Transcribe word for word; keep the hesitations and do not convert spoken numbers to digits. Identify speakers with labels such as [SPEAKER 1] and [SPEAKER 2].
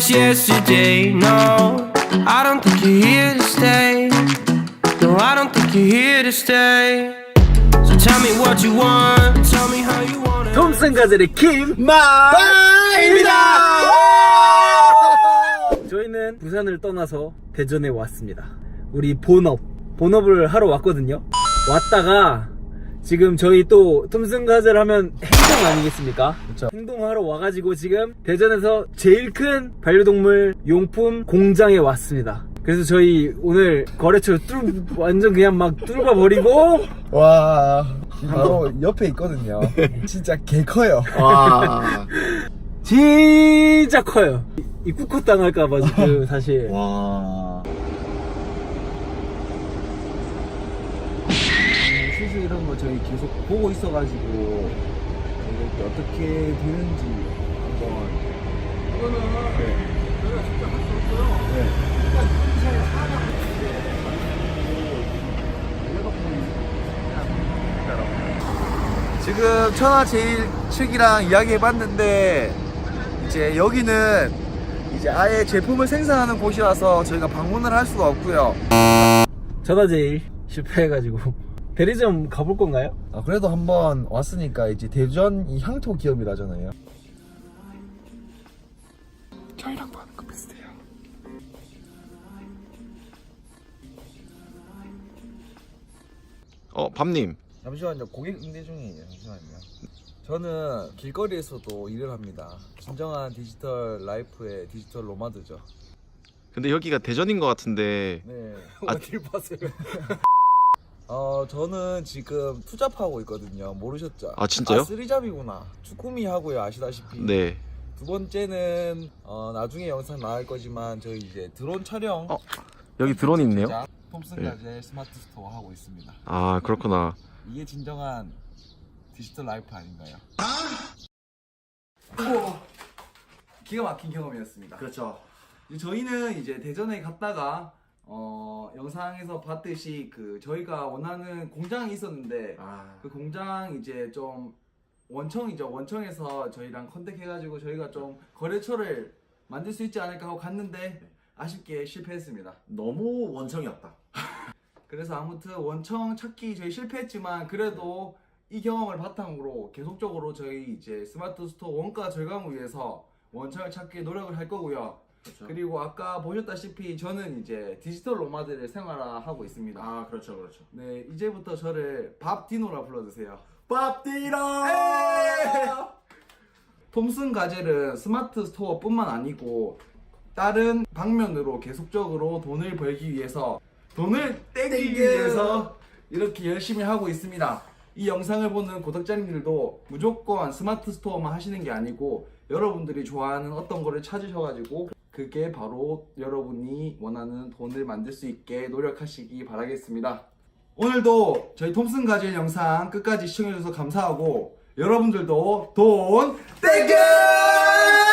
[SPEAKER 1] was yesterday. No, I don't think you're here to stay. No, I don't think you're here to stay. So tell me what you want. Tell me how you want it.
[SPEAKER 2] 톰슨 가젤의 김마입니다. 저희는 부산을 떠나서 대전에 왔습니다. 우리 본업 본업을 하러 왔거든요. 왔다가 지금 저희 또 톰슨 가젤 하면 행동 아니겠습니까?
[SPEAKER 3] 그쵸.
[SPEAKER 2] 행동하러 와가지고 지금 대전에서 제일 큰 반려동물 용품 공장에 왔습니다. 그래서 저희 오늘 거래처 뚫 완전 그냥 막 뚫어 버리고
[SPEAKER 3] 와, 바로 옆에 있거든요. 진짜 개 커요.
[SPEAKER 4] 와.
[SPEAKER 2] 진짜 커요. 입국컷 당할까봐 지금 사실.
[SPEAKER 4] 와.
[SPEAKER 3] 수술 이런 거 저희 계속 보고 있어가지고 이렇게 어떻게 되는지 한번.
[SPEAKER 2] 이거는
[SPEAKER 3] 네.
[SPEAKER 2] 저희가 직접 할 수 없어요.
[SPEAKER 3] 네. 지금 천하제일 측이랑 이야기해봤는데 이제 여기는 이제 아예 제품을 생산하는 곳이라서 저희가 방문을 할 수가 없고요.
[SPEAKER 2] 전화제일 실패해가지고 대리점 가볼 건가요?
[SPEAKER 3] 아, 그래도 한번 왔으니까 이제 대전 이 향토 기업이라잖아요. 저희랑 하는 거 비슷해요.
[SPEAKER 4] 어, 밤님.
[SPEAKER 3] 잠시만요. 고객 응대 중이에요. 잠시만요. 저는 길거리에서도 일을 합니다. 진정한 디지털 라이프의 디지털 로마드죠.
[SPEAKER 4] 근데 여기가 대전인 것 같은데.
[SPEAKER 3] 네.
[SPEAKER 4] 아,
[SPEAKER 2] 어딜 봤어요?
[SPEAKER 3] 어, 저는 지금 투잡하고 있거든요. 모르셨죠?
[SPEAKER 4] 아, 진짜요?
[SPEAKER 3] 아, 쓰리잡이구나. 주꾸미 하고요. 아시다시피.
[SPEAKER 4] 네.
[SPEAKER 3] 두 번째는 어, 나중에 영상 나갈 거지만 저희 이제 드론 촬영.
[SPEAKER 4] 어, 여기 드론 있네요.
[SPEAKER 3] 제작, 톰슨 가젤 스마트 스토어 하고 있습니다.
[SPEAKER 4] 아, 그렇구나.
[SPEAKER 3] 이게 진정한 디지털 라이프 아닌가요? 기가 막힌 경험이었습니다.
[SPEAKER 4] 그렇죠.
[SPEAKER 3] 이제 저희는 이제 대전에 갔다가 어, 영상에서 봤듯이 그 저희가 원하는 공장이 있었는데
[SPEAKER 4] 아.
[SPEAKER 3] 그 공장 이제 좀 원청이죠. 원청에서 저희랑 컨택해가지고 저희가 좀 거래처를 만들 수 있지 않을까 하고 갔는데 아쉽게 실패했습니다.
[SPEAKER 4] 너무 원청이었다.
[SPEAKER 3] 그래서 아무튼 원청 찾기 저희 실패했지만 그래도 이 경험을 바탕으로 계속적으로 저희 이제 스마트 스토어 원가 절감을 위해서 원청을 찾기 노력을 할 거고요.
[SPEAKER 4] 그렇죠.
[SPEAKER 3] 그리고 아까 보셨다시피 저는 이제 디지털 노마드를 생활화하고 있습니다.
[SPEAKER 4] 아, 그렇죠, 그렇죠.
[SPEAKER 3] 네, 이제부터 저를 밥디노라 불러주세요.
[SPEAKER 4] 밥디노!
[SPEAKER 3] 톰슨 가젤은 스마트 스토어뿐만 아니고 다른 방면으로 계속적으로 돈을 벌기 위해서 돈을 떼기 위해서 이렇게 열심히 하고 있습니다. 이 영상을 보는 구독자님들도 무조건 스마트 스토어만 하시는 게 아니고 여러분들이 좋아하는 어떤 거를 찾으셔가지고 그게 바로 여러분이 원하는 돈을 만들 수 있게 노력하시기 바라겠습니다. 오늘도 저희 톰슨 가젤 영상 끝까지 시청해주셔서 감사하고 여러분들도 돈 땡겨!